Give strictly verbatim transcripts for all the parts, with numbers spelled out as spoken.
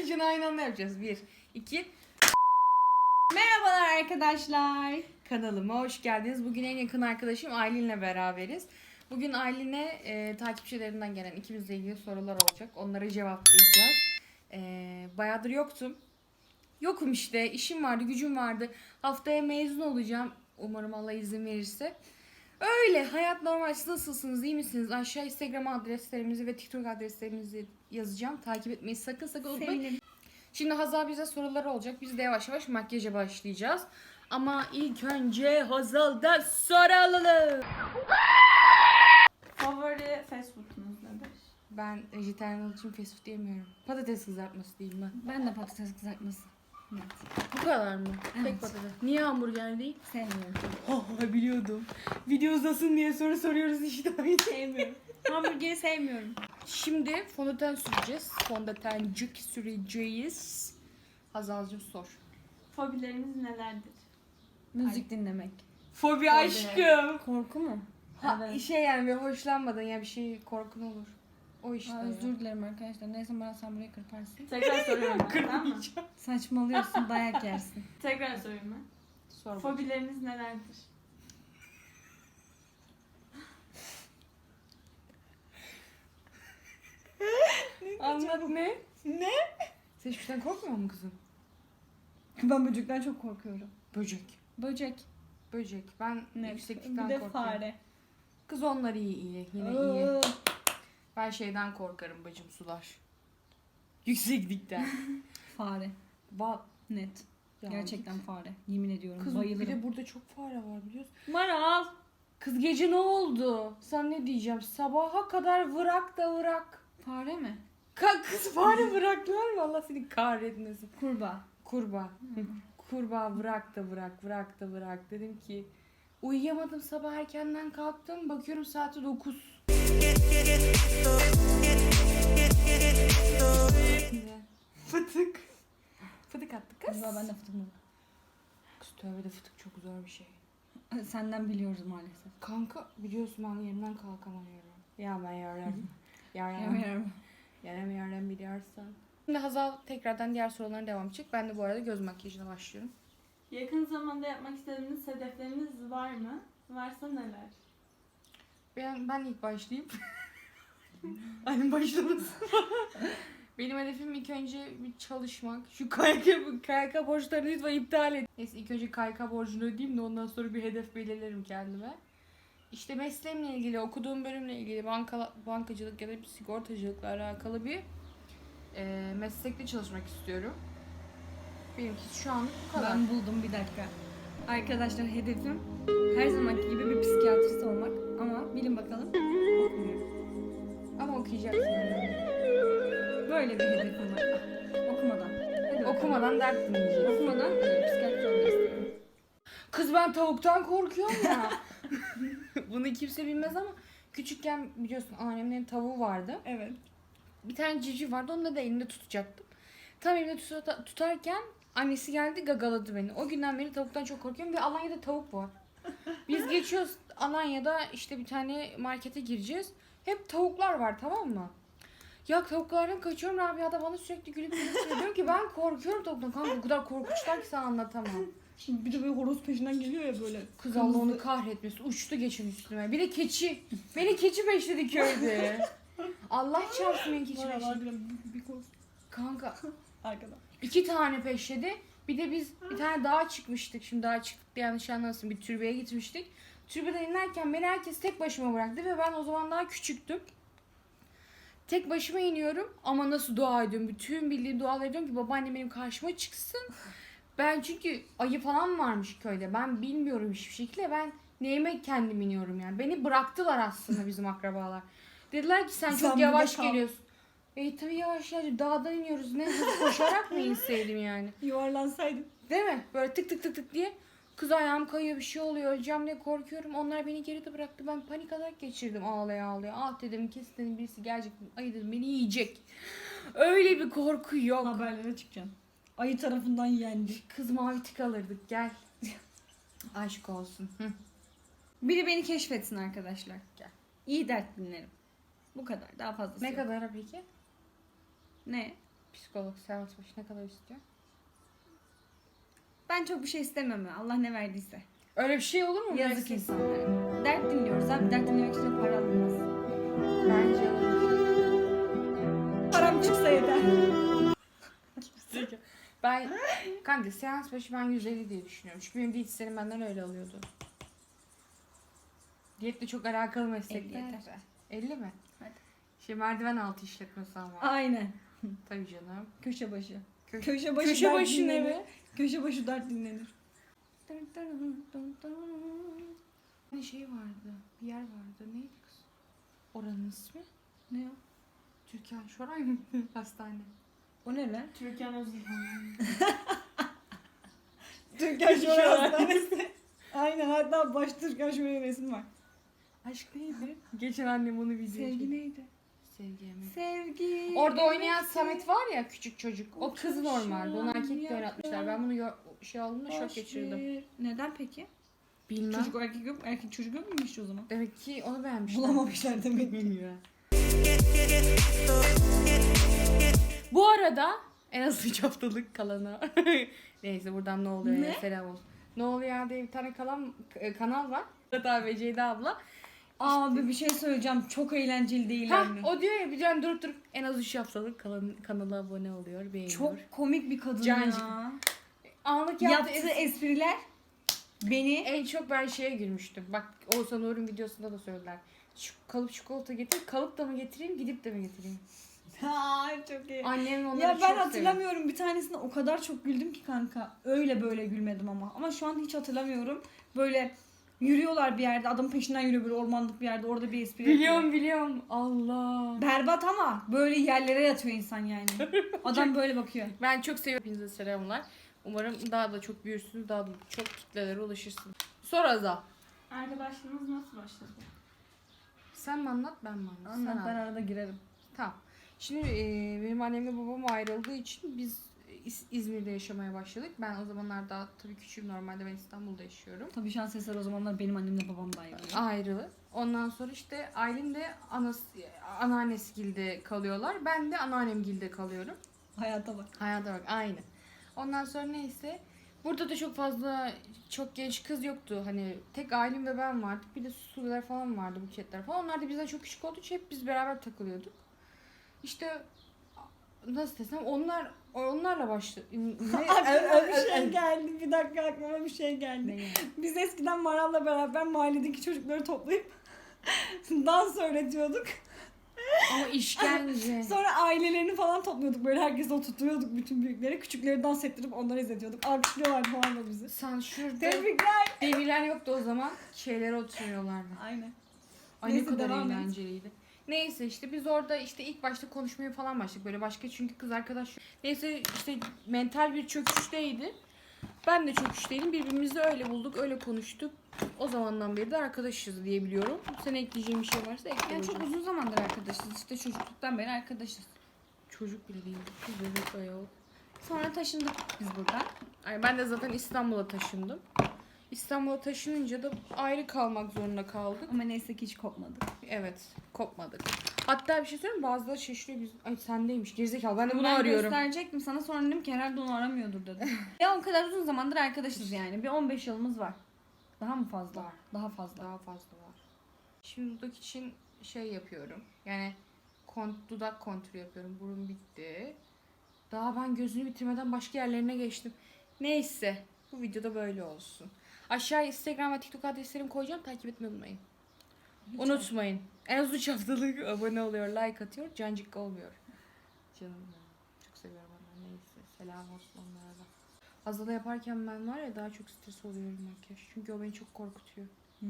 açılışını aynı anda yapacağız. Bir, iki. Merhabalar arkadaşlar. Kanalıma hoş geldiniz. Bugün en yakın arkadaşım Aylin'le beraberiz. Bugün Aylin'e e, takipçilerinden gelen ikimizle ilgili sorular olacak. Onları cevaplayacağız. E, bayağıdır yoktum. Yokum işte. İşim vardı, gücüm vardı. Haftaya mezun olacağım. Umarım Allah izin verirse. Öyle. Hayat normal. Siz nasılsınız? İyi misiniz? Aşağı Instagram adreslerimizi ve TikTok adreslerimizi yazacağım. Takip etmeyi sakın sakın unutmayın. Sevinirim. Şimdi Hazal bize sorular olacak. Biz de yavaş yavaş makyaja başlayacağız. Ama ilk önce Hazal'dan soralım. Favori fast food'unuz nedir? Ben vejetaryen için fast food diyemiyorum. Patates kızartması diyeyim ben. Ben de patates kızartması. Evet. Bu kadar mı? Evet. Tek patates. Niye hamburger değil? Sevmiyorum. Ha biliyordum. Video uzasın diye soru soruyoruz işte. Sevmiyorum. Hamburgeri sevmiyorum. Şimdi fondöten süreceğiz. Fondötencik süreceğiz. Hazal'cığım sor. Fobileriniz nelerdir? Müzik dinlemek. Fobi aşkım. Korku mu? Ha, Evet. şey yani bir hoşlanmadın ya bir şey korkun olur. O işte. Aa, ya. özür dilerim arkadaşlar. Neyse bana sen burayı kırparsın. Tekrar soruyorum ben, tamam mı? Kırmayacağım. Saçmalıyorsun, dayak yersin. Tekrar sorayım ben. Sor bakalım. Fobileriniz nelerdir? Anlat ne? Ne? Sen hiçbir şeyden korkmuyor musun kızım? Ben böcekten çok korkuyorum. Böcek. Böcek. Böcek. Ben Ne? yükseklikten Bir de korkuyorum. fare. Kız onlar iyi iyi. Yine iyi. Ben şeyden korkarım bacım sular. Yükseklikten. Fare. Ba Net. Ya Gerçekten fare. Yemin ediyorum. Kız Bayılırım. bir de burada çok fare var biliyorsun. Maral. Kız gece ne oldu? Sen ne diyeceğim? Sabaha kadar vırak da vırak. Fare mi? Ka kız fare bıraktılar mı? Allah seni kahretmesin. Kurbağa. Kurbağa. Kurbağa bırak da bırak, bırak da bırak. Dedim ki uyuyamadım, sabah erkenden kalktım. Bakıyorum saati dokuz. Fıtık. Fıtık attık kız. Kurbağa ben de fıtık mı? Kız tövbe de fıtık çok zor bir şey. Senden biliyoruz maalesef. Kanka biliyorsun ben yerimden kalkamıyorum. Ya ben yarım. Yarım. Yemiyorum. Yarım yarım biliyorsan. Şimdi Hazal tekrardan diğer sorularına devam edecek. Ben de bu arada göz makyajına başlıyorum. Yakın zamanda yapmak istediğiniz hedefleriniz var mı? Varsa neler? Ben, ben ilk başlayayım. Annem başlamasın. Benim hedefim ilk önce bir çalışmak. Şu K Y K, K Y K borçlarını lütfen iptal et. Neyse ilk önce K Y K borcunu ödeyeyim de ondan sonra bir hedef belirlerim kendime. İşte mesleğimle ilgili, okuduğum bölümle ilgili banka, bankacılık ya da bir sigortacılıkla alakalı bir e, meslekte çalışmak istiyorum. Benimki şu anlık bu kadar. Ben buldum bir dakika. Arkadaşlar hedefim her zamanki gibi bir psikiyatrist olmak. Ama bilin bakalım okumuyorum. Ama okuyacaksın. Böyle bir hedefim var. Okumadan. Hadi bakalım. Okumadan dert dinleyeceğiz. Okumadan e, psikiyatrist olmak istiyorum. Kız ben tavuktan korkuyorum ya. Bunu kimse bilmez ama küçükken biliyorsun annemin tavuğu vardı. Evet. Bir tane civciv vardı, onu da elinde tutacaktım. Tam elimde tuta- tutarken annesi geldi gagaladı beni. O günden beri tavuktan çok korkuyorum ve Alanya'da tavuk var. Biz geçiyoruz Alanya'da işte bir tane markete gireceğiz. Hep tavuklar var, tamam mı? Ya tavuklardan kaçıyorum, Rabia da bana sürekli gülüp gülüp diyorum ki ben korkuyorum tavuktan. Kanka o kadar korkunçlar ki sana anlatamam. Şimdi bir de böyle horoz peşinden geliyor ya böyle. Kız Allah onu kahretmesin. Uçtu geçin üstüme. Bir de keçi. Beni keçi peşledi köyde. Allah çarpsın beni keçi peşledi. bir koz. Kanka Arkada. iki tane peşledi. Bir de biz bir tane dağa çıkmıştık. Şimdi dağa çıktık diye yanlış anlamasın. Bir türbeye gitmiştik. Türbeden inerken beni herkes tek başıma bıraktı ve ben o zaman daha küçüktüm. Tek başıma iniyorum ama nasıl dua ediyorum. Bütün bildiğim dualar ediyorum ki babaannem benim karşıma çıksın. Ben çünkü ayı falan varmış köyde. Ben bilmiyorum hiçbir şekilde. Ben neyime kendim iniyorum yani. Beni bıraktılar aslında bizim akrabalar. Dediler ki sen, Sen çok yavaş burada kal. geliyorsun. E tabii yavaş yavaş dağdan iniyoruz. Ne hızlı koşarak mı inseydim yani? Yuvarlansaydım. Değil mi? Böyle tık tık tık tık diye. Kız ayağım kayıyor, bir şey oluyor. Öleceğim diye korkuyorum. Onlar beni geride bıraktı. Ben panik atak geçirdim ağlaya ağlaya. Ah dedim kesin dedim birisi gelecek. Ayı dedim beni yiyecek. Öyle bir korku yok. Haberlere çıkacaksın. Ayı tarafından yendi. Kız mavi tık alırdık gel. Aşk olsun. Hı. Biri beni keşfetsin arkadaşlar. Gel. İyi dert dinlerim. Bu kadar. Daha fazlası Ne yok. kadar peki? Ne? Psikolog seans başı ne kadar istiyor? Ben çok bir şey istemem ya. Allah ne verdiyse. Öyle bir şey olur mu? Yazık Versin. insanlara. Dert dinliyoruz abi. Dert dinlemek için de para alınmaz. Bence olur. Param çıksa yeter. Ben kanka seans başı ben yüz elli diye düşünüyorum. Çünkü benim diyetisyenim benden öyle alıyordu. Diyetle çok alakalı meslekler. elli yeter. elli mi? Hadi. Şey merdiven altı işletmesi ama. Aynen. Tabii canım. Köşe başı. Kö- Köşe başı Köşe dert başı ne dinlenir. be? Köşe başı dert dinlenir. Bir şey vardı. Bir yer vardı. Neydi kız? Oranın ismi? Ne o? Türkan Şoray mı? Hastane. O ne lan? Türkan Özilhan. Türkan Şoray Hastanesi. Aynen, hatta baş Türkan Şoray'ın resmi var. Aşk neydi? Geçen annem onu video Sevgi neydi? Sevgi yemek. Sevgi. Orada oynayan evet, Samet var ya, küçük çocuk. O O kız çok normalde. Onu şahan erkek de oynatmışlar. Ben bunu yo- şey olduğunda şok boş geçirdim. ver. Neden peki? Bilmem. Çocuk o erkek yok, erkek çocuk yok muymuş o zaman? Demek ki onu beğenmişler. Bulamamışlar demek ki. Bu arada en az üç haftalık kalana. Neyse buradan ne oluyor Ne? ya, selam olsun. Ne oluyor ya diye bir tane kalan, e, kanal var. Hatta ve Ceyda abla. Abi bir şey söyleyeceğim, çok eğlenceli değil Ha, mi? o diyor ya bir can durup durup en az üç haftalık kalan, kanala abone oluyor, beğeniyor. Çok komik bir kadın Cancık. ya. Anlık Yaptığı yaptığı es- espriler beni En çok ben şeye gülmüştüm. Bak Oğuzhan Uğur'un videosunda da söylediler. Şu kalıp çikolata getir. Kalıp da mı getireyim, gidip de mi getireyim? ha çok iyi. Annem onları Ya çok ben seviyor. hatırlamıyorum, bir tanesinde o kadar çok güldüm ki kanka. Öyle böyle gülmedim ama. Ama şu an hiç hatırlamıyorum. Böyle yürüyorlar bir yerde, adamın peşinden yürüyor böyle ormanlık bir yerde, orada bir espri Biliyorum yapıyor. biliyorum. Allah. Berbat ama böyle yerlere yatıyor insan yani. Adam böyle bakıyor. Ben çok seviyorum. Hepinize selamlar. Umarım daha da çok büyürsünüz. Daha da çok kitlelere ulaşırsınız. Sor Azal. Arkadaşlığınız nasıl başladı? Sen mi anlat, ben mi anlat? Anlat, Sen ben anlat. arada girerim. Tamam. Şimdi e, benim annemle babam ayrıldığı için biz İz- İzmir'de yaşamaya başladık. Ben o zamanlar daha tabii küçüğüm, normalde ben İstanbul'da yaşıyorum. Tabii şans eseri o zamanlar benim annemle babam da ayrılıyor. Ayrı. Ondan sonra işte Aylin de anası, anneannesgilde kalıyorlar. Ben de anneannemgilde kalıyorum. Hayata bak. Hayata bak, aynı. Ondan sonra neyse. Burada da çok fazla çok genç kız yoktu. Hani tek Aylin ve ben vardık. Bir de Susular falan vardı, Buketler falan. Onlar da bizden çok küçük olduğu için hep biz beraber takılıyorduk. İşte nasıl desem onlar onlarla başladı. Aklıma bir şey geldi. Bir dakika, aklıma bir şey geldi. Ne yani? Biz eskiden Maral'la beraber mahalledeki çocukları toplayıp dans öğretiyorduk. Ama işkence. Sonra ailelerini falan topluyorduk. Böyle herkesi oturtuyorduk, bütün büyükleri. Küçükleri dans ettirip onları izletiyorduk. Alkışlıyorlardı falan da bizi. Sen şurada Tebrikler. demirler yoktu o zaman. Şeylere oturuyorlardı. Aynen. Ay ne Neyse, kadar devam et. eğlenceliydi. Neyse işte biz orada işte ilk başta konuşmaya falan başladık. Böyle başka çünkü kız arkadaş. Neyse işte mental bir çöküşteydi. Ben de çöküşteydim. Birbirimizi öyle bulduk, öyle konuştuk. O zamandan beri de arkadaşız diye biliyorum. Sen ekleyeceğin bir şey varsa ekle Yani çok hocam. uzun zamandır arkadaşız. İşte çocukluktan beri arkadaşız. Çocuk bile değil. Kız bebek bayağı. Sonra taşındık biz buradan. Ay ben de zaten İstanbul'a taşındım. İstanbul'a taşınınca da ayrı kalmak zorunda kaldık. Ama neyse ki hiç kopmadık. Evet, kopmadık. Hatta bir şey söyleyeyim mi? Bazıları şaşırıyor biz. Ay sendeymiş gerizekalı. Ben de bunu ben arıyorum. gösterecektim sana, sonra dedim ki herhalde onu aramıyordur dedim. Ya o kadar uzun zamandır arkadaşız yani. Bir on beş yılımız var. Daha mı fazla? Var. Daha fazla. Daha fazla var. Şimdi dudak için şey yapıyorum. Yani kont, dudak kontürü yapıyorum. Burun bitti. Daha ben gözünü bitirmeden başka yerlerine geçtim. Neyse. Bu videoda böyle olsun. Aşağıya Instagram ve TikTok adreslerimi koyacağım. Takip etmeyi unutmayın. Hiç Unutmayın. En az üç haftalık abone oluyor, like atıyor. Cancık olmuyor. Canım benim. Çok seviyorum onları. Neyse. Selam olsun onlara da. Azala yaparken ben var ya daha çok stres oluyorum makyaj. Çünkü o beni çok korkutuyor.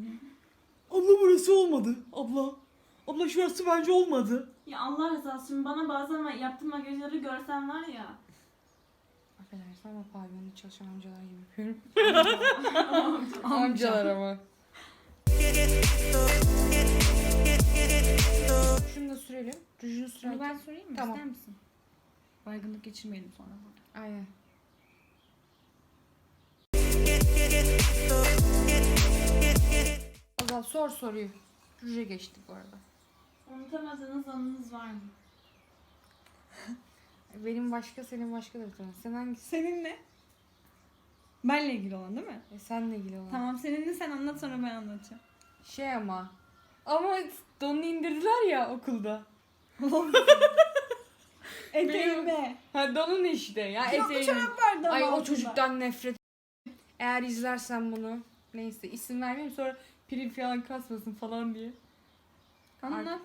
Abla burası olmadı. Abla. Abla şurası bence olmadı. Ya Allah rızası için bana bazen ma- yaptığım makyajları görsen var ya. Affedersin ama pavyonda çalışan amcalar gibi yapıyorum. Amca. Amcalar ama. Şunu da sürelim. Rujunu Bunu sürelim. ben sorayım mı? Tamam. İster misin? Baygınlık geçirmeyelim sonra burada. Aynen. Azal sor soruyu. Ruja geçtik bu arada. Unutamadığınız anınız var mı? Benim başka, senin başkadır tamam. Sen hangisi? Seninle. Benle ilgili olan değil mi? E, senle ilgili olan. Tamam seninle sen anlat sonra ben anlatacağım. Şey ama. Ama donunu indirdiler ya okulda. Eteğime. Ha donun işte. Ya Yok eteğinin. çorap vardı ama Ay o altında. çocuktan nefret. Eğer izlersen bunu. Neyse isim vermeyeyim sonra prim falan kasmasın falan diye. Anlat.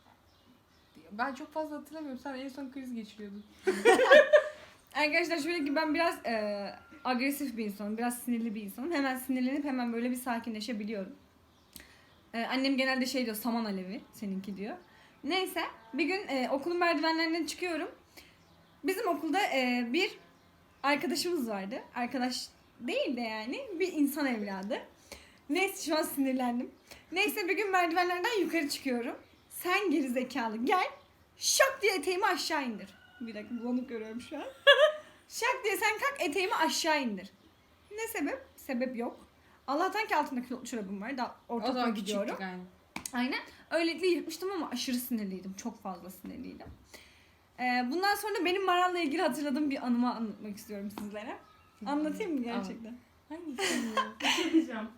Ben çok fazla hatırlamıyorum. Sen en son kriz geçiriyordun. Arkadaşlar şöyle ki ben biraz e, agresif bir insanım. Biraz sinirli bir insanım. Hemen sinirlenip hemen böyle bir sakinleşebiliyorum. E, annem genelde şey diyor, saman alevi seninki diyor. Neyse bir gün e, okulun merdivenlerinden çıkıyorum. Bizim okulda e, bir arkadaşımız vardı. Arkadaş değil de yani bir insan evladı. Neyse şu an sinirlendim. Neyse bir gün merdivenlerden yukarı çıkıyorum. Sen geri zekalı gel. Şak diye eteğimi aşağı indir. Bir dakika bulanık görüyorum şu an. Şak diye sen kalk eteğimi aşağı indir. Ne sebep? Sebep yok. Allah'tan ki altında kilotlu çorabım var. Daha O ortaokula zaman gidiyorum. küçüktük aynı. Aynen. Öylelikle yırtmıştım ama aşırı sinirliydim. Çok fazla sinirliydim. Ee, bundan sonra benim Maral'la ilgili hatırladığım bir anımı anlatmak istiyorum sizlere. Anlatayım mı gerçekten? Hangisi? Bir şey diyeceğim.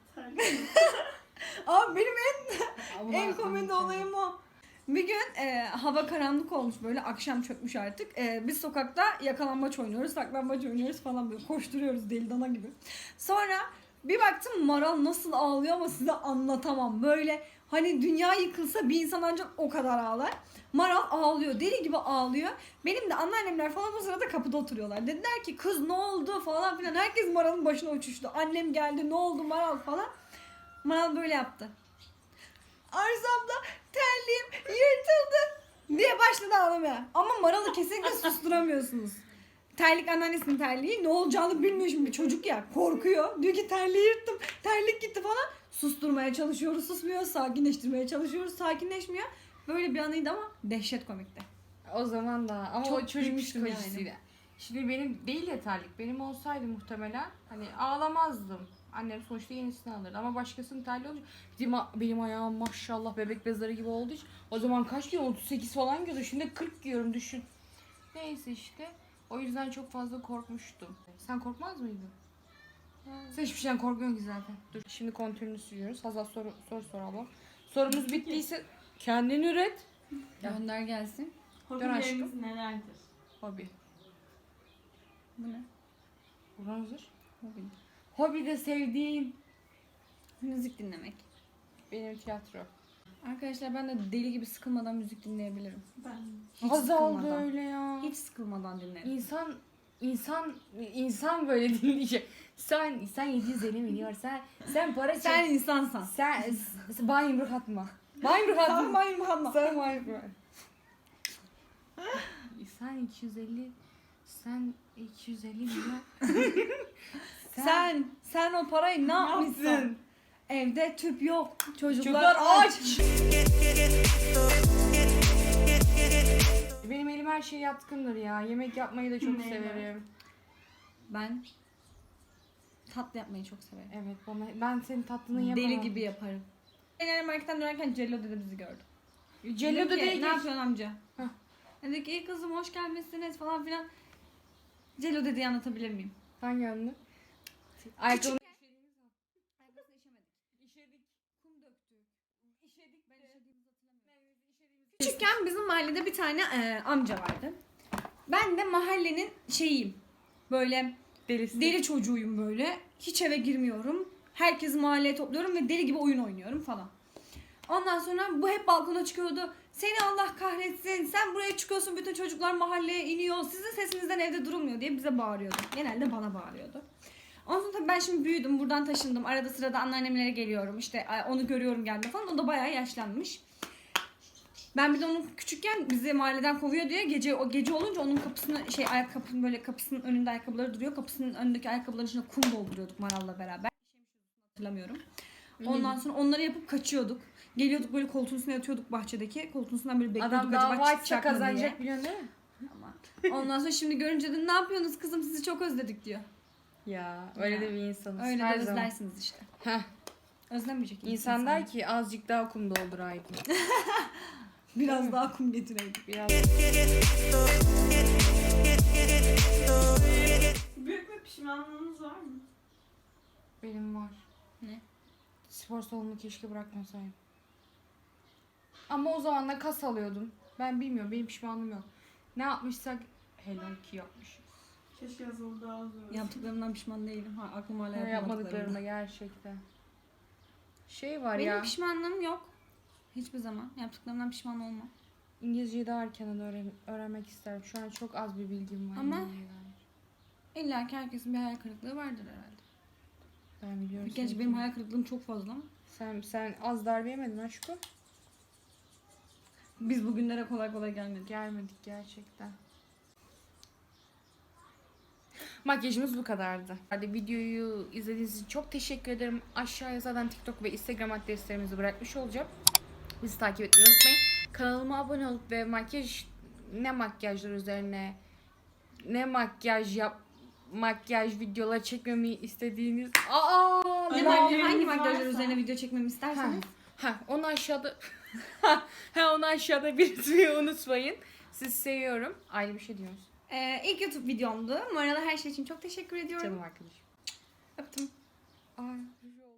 Abi benim en Ama en komedi olayım o. Bir gün e, hava karanlık olmuş böyle, akşam çökmüş artık. E, biz sokakta yakalanmaç oynuyoruz, saklambaç oynuyoruz falan böyle koşturuyoruz deli dana gibi. Sonra bir baktım Maral nasıl ağlıyor ama size anlatamam. Böyle hani dünya yıkılsa bir insan ancak o kadar ağlar. Maral ağlıyor, deli gibi ağlıyor. Benim de anneannemler falan o sırada kapıda oturuyorlar. Dediler ki kız ne oldu falan filan. Herkes Maral'ın başına uçuştu. Annem geldi, ne oldu Maral falan. Maral böyle yaptı. Arzu abla terliğim yırtıldı diye başladı ağlamaya. Ama Maral'ı kesinlikle susturamıyorsunuz. Terlik anneannesinin terliği, ne olacağını bilmiyor şimdi, bir çocuk ya, korkuyor. Diyor ki terliği yırttım, terlik gitti falan. Susturmaya çalışıyoruz, susmuyor. Sakinleştirmeye çalışıyoruz, sakinleşmiyor. Böyle bir anıydı ama dehşet komikti. O zaman da ama Çok o çocuk gülmüştüm psikolojisiyle. yani. Şimdi benim değil ya terlik. Benim olsaydı muhtemelen hani ağlamazdım. Annem sonuçta yenisini alırdı ama başkasının terliği olunca benim, benim ayağım maşallah bebek bezleri gibi olduğu için o zaman kaç giyiyorum? otuz sekiz falan giyiyordum. Şimdi kırk giyiyorum düşün. Neyse işte o yüzden çok fazla korkmuştum. Sen korkmaz mıydın? Sen hiçbir şeyden korkmuyorsun ki zaten. Dur şimdi kontürünü sürüyoruz. Hazal soru, soru soralım. Sorumuz bittiyse kendin üret. Gönder gelsin. Hobileriniz nelerdir? Hobi. Bu ne? Burhan hazır. Hobi. Hobi de sevdiğim Müzik dinlemek. benim tiyatro. Arkadaşlar ben de deli gibi sıkılmadan müzik dinleyebilirim. Ben. Hiç Hazal da sıkılmadan. öyle ya. Hiç sıkılmadan dinlerim. İnsan insan insan böyle dinleyecek. Sen sen yedi yüz elli milyon sen sen para çek. Sen insansan. sen sen bayım ruh atma. Bayım ruh atma. Sen bayım hanma. Sen bayım ruh. Sen iki yüz elli sen iki yüz elli milyon. Sen, sen o parayı ne yapmışsın? yaptın? Evde tüp yok. Çocuklar, Çocuklar aç. aç. Benim elim her şeye yatkındır ya. Yemek yapmayı da çok Neyle? severim. Ben tatlı yapmayı çok severim. Evet bana ben senin tatlını yapamam. Deli gibi yaparım. Genel marketten dönerken Cello dede bizi gördü. Cello Dedim da ki, değil. ne yapıyorsun amca? Heh. Dedi ki iyi kızım hoş gelmişsiniz falan filan. Cello dedeyi anlatabilir miyim? Hangi yönlü? Ayakkabı. Ayakkabısını işemedik. İşedik. Kum döktük. İşedik. Ben işediğimizi hatırlamıyorum. Küçükken bizim mahallede bir tane e, amca vardı. Ben de mahallenin şeyiyim. Böyle Delisi. deli çocuğuyum böyle. Hiç eve girmiyorum. Herkesi mahalleye topluyorum ve deli gibi oyun oynuyorum falan. Ondan sonra bu hep balkona çıkıyordu. Seni Allah kahretsin. Sen buraya çıkıyorsun. Bütün çocuklar mahalleye iniyor. Sizin sesinizden evde durulmuyor diye bize bağırıyordu. Genelde bana bağırıyordu. Ondan sonra tabii ben şimdi büyüdüm. Buradan taşındım. Arada sırada anneannemlere geliyorum. İşte onu görüyorum geldi falan. O da bayağı yaşlanmış. Ben bir de onu küçükken bizi mahalleden kovuyor diye gece o gece olunca onun kapısını şey ayakkabının böyle kapısının önünde ayakkabıları duruyor. Kapısının önündeki ayakkabıların içine kum dolduruyorduk Maral'la beraber. Hatırlamıyorum. Ondan sonra onları yapıp kaçıyorduk. Geliyorduk böyle koltuğun üstüne yatıyorduk bahçedeki. Koltuğun üstünden böyle bekliyorduk. Adam dava acaba açsa çıkacak mı diye. kazanacak biliyorsun değil mi? Ama ondan sonra şimdi görünce de ne yapıyorsunuz kızım sizi çok özledik diyor. Ya öyle Ya. de bir insanız. Öyle Her de zaman. özlersiniz işte. Heh. Özlemeyecek İnsan der ki azıcık daha kum dolduraydım. biraz daha kum getireydik. Biraz. mı? Benim var. Ne? Spor salonunu keşke bırakmasaydım. Ama o zaman da kas alıyordum. Ben bilmiyorum. Benim pişmanlığım yok. Ne yapmışsak helal ki yapmışız. Keşke yazılı daha zor. Yaptıklarımdan pişman değilim. Ha, aklıma hala Ne yapmadıklarımdan. yapmadıklarında gerçekten. Şey var Benim ya. pişmanlığım yok. Hiçbir zaman. Yaptıklarımdan pişman olmam. İngilizceyi daha erkenden öğren öğrenmek isterim. Şu an çok az bir bilgim var. Ama- İngilizceye dair. İlla ki herkesin bir hayal kırıklığı vardır herhalde. Ben biliyorum. Gerçi seni. benim hayal kırıklığım çok fazla ama. Sen, sen az darbe yemedin aşkım. Biz bugünlere kolay kolay gelmedik. Gelmedik gerçekten. Makyajımız bu kadardı. Hadi videoyu izlediğiniz için çok teşekkür ederim. Aşağıya zaten TikTok ve Instagram adreslerimizi bırakmış olacağım. Bizi takip etmeyi unutmayın. Kanalıma abone olup ve makyaj ne makyajlar üzerine ne makyaj yap makyaj videoları çekmemi istediğiniz aa Ne Öyle makyaj, bir hangi yeriniz makyajlar varsa- üzerine video çekmemi ha, isterseniz. ha onu aşağıda ha onu aşağıda belirtmeyi unutmayın. Sizi seviyorum. Ayrı bir şey diyoruz. Ee, ilk YouTube videomdu. Bu arada her şey için çok teşekkür ediyorum. Canım arkadaşım. Öptüm. Ay.